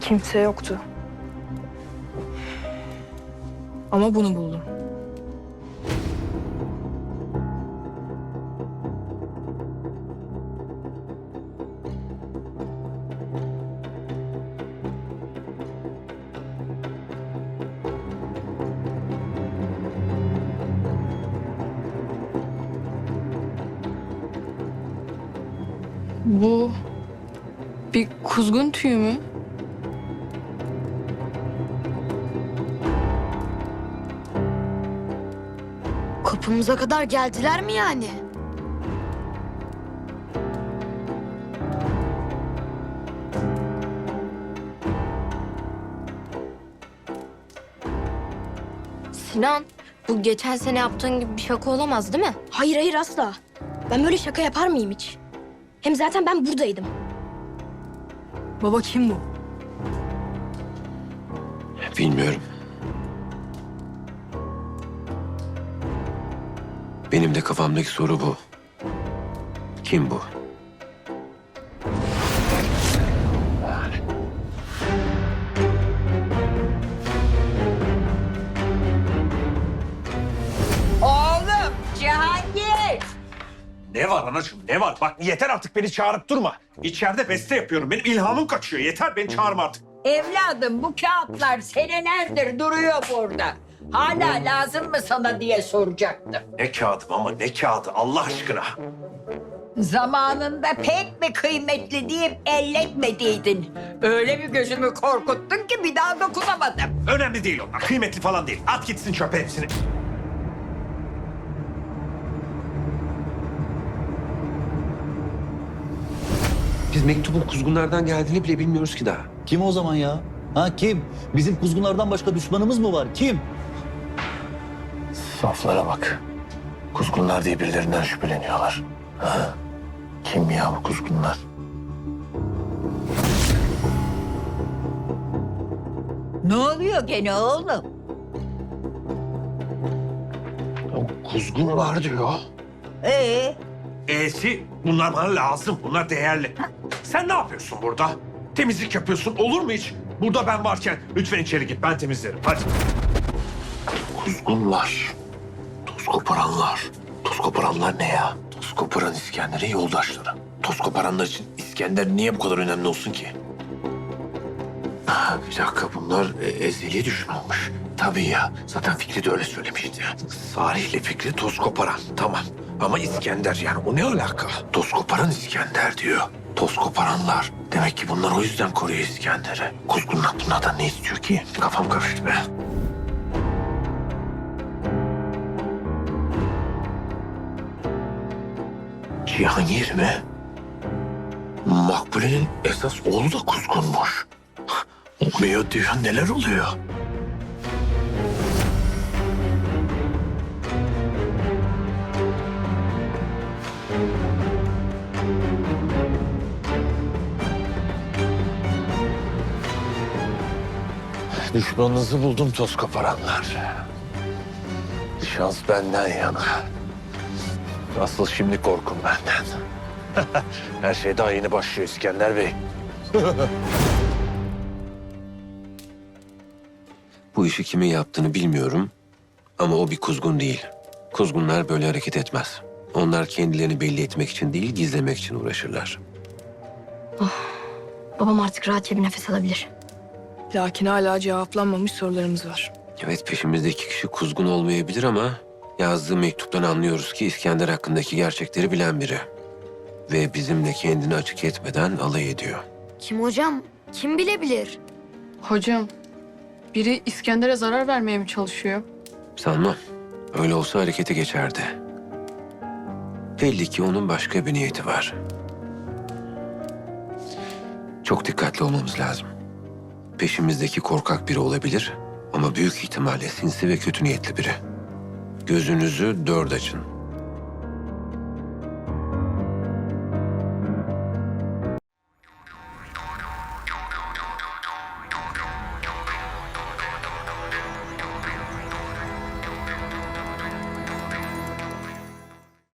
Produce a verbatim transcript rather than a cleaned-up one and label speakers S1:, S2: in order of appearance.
S1: Kimse yoktu. Ama bunu buldum. Bu bir kuzgun tüyü mü?
S2: Kapımıza kadar geldiler mi yani?
S3: Sinan, bu geçen sene yaptığın gibi bir şaka olamaz değil mi?
S2: Hayır hayır asla. Ben böyle şaka yapar mıyım hiç? Hem zaten ben buradaydım.
S1: Baba kim bu?
S4: Bilmiyorum. Benim de kafamdaki soru bu. Kim bu?
S5: Oğlum Cihangir.
S6: Ne var anacığım ne var? Bak yeter artık beni çağırıp durma. İçeride beste yapıyorum. Benim ilhamım kaçıyor. Yeter beni çağırma artık.
S5: Evladım bu kağıtlar senelerdir duruyor burada. Hala lazım mı sana diye soracaktım.
S6: Ne kağıdım ama ne kağıdı Allah aşkına.
S5: Zamanında pek mi kıymetli deyip elletmediydin. Öyle bir gözümü korkuttun ki bir daha dokunamadım.
S6: Önemli değil onlar. Kıymetli falan değil. At gitsin çöpe hepsini.
S4: Biz mektubun kuzgunlardan geldiğini bile bilmiyoruz ki daha.
S7: Kim o zaman ya? Ha kim? Bizim kuzgunlardan başka düşmanımız mı var? Kim?
S8: Saflara bak. Kuzgunlar diye birilerinden şüpheleniyorlar. Ha? Kim ya bu kuzgunlar?
S5: Ne oluyor gene oğlum?
S4: Kuzgun var diyor.
S5: Ee,
S6: E'si bunlar bana lazım. Bunlar değerli. Sen ne yapıyorsun burada? Temizlik yapıyorsun. Olur mu hiç? Burada ben varken lütfen içeri git. Ben temizlerim. Hadi.
S8: Kuzgunlar. Toz koparanlar. Toz koparanlar ne ya? Toz koparan İskender'in yoldaşları. Toz koparanlar için İskender niye bu kadar önemli olsun ki? Ha, bir dakika bunlar e, ezeli düşmanmış. Tabii ya. Zaten Fikri de öyle söylemişti. Salih ile Fikri toz koparan. Tamam. Ama İskender yani o ne alaka? Toz koparan İskender diyor. Toz koparanlar. Demek ki bunlar o yüzden koruyor İskender'i. Kuzgunlar bunlardan ne istiyor ki? Kafam karıştı be. Cihangir mi? Makbule'nin esas oğlu da kuzgunmuş. Olmuyor diyor, neler oluyor? Düşmanınızı buldum toz koparanlar. Şans benden yana. Asıl şimdi korkum benden. Her şey daha yeni başlıyor İskender Bey.
S4: Bu işi kimin yaptığını bilmiyorum. Ama o bir kuzgun değil. Kuzgunlar böyle hareket etmez. Onlar kendilerini belli etmek için değil, gizlemek için uğraşırlar.
S2: Babam artık rahatça bir nefes alabilir.
S1: Lakin hala cevaplanmamış sorularımız var.
S4: Evet, peşimizdeki kişi kuzgun olmayabilir ama yazdığı mektuptan anlıyoruz ki İskender hakkındaki gerçekleri bilen biri. Ve bizimle kendini açık etmeden alay ediyor.
S2: Kim hocam? Kim bilebilir?
S9: Hocam, biri İskender'e zarar vermeye mi çalışıyor?
S4: Sanmam. Öyle olsa harekete geçerdi. Belli ki onun başka bir niyeti var. Çok dikkatli olmamız lazım. Peşimizdeki korkak biri olabilir ama büyük ihtimalle sinsi ve kötü niyetli biri. Gözünüzü dört açın.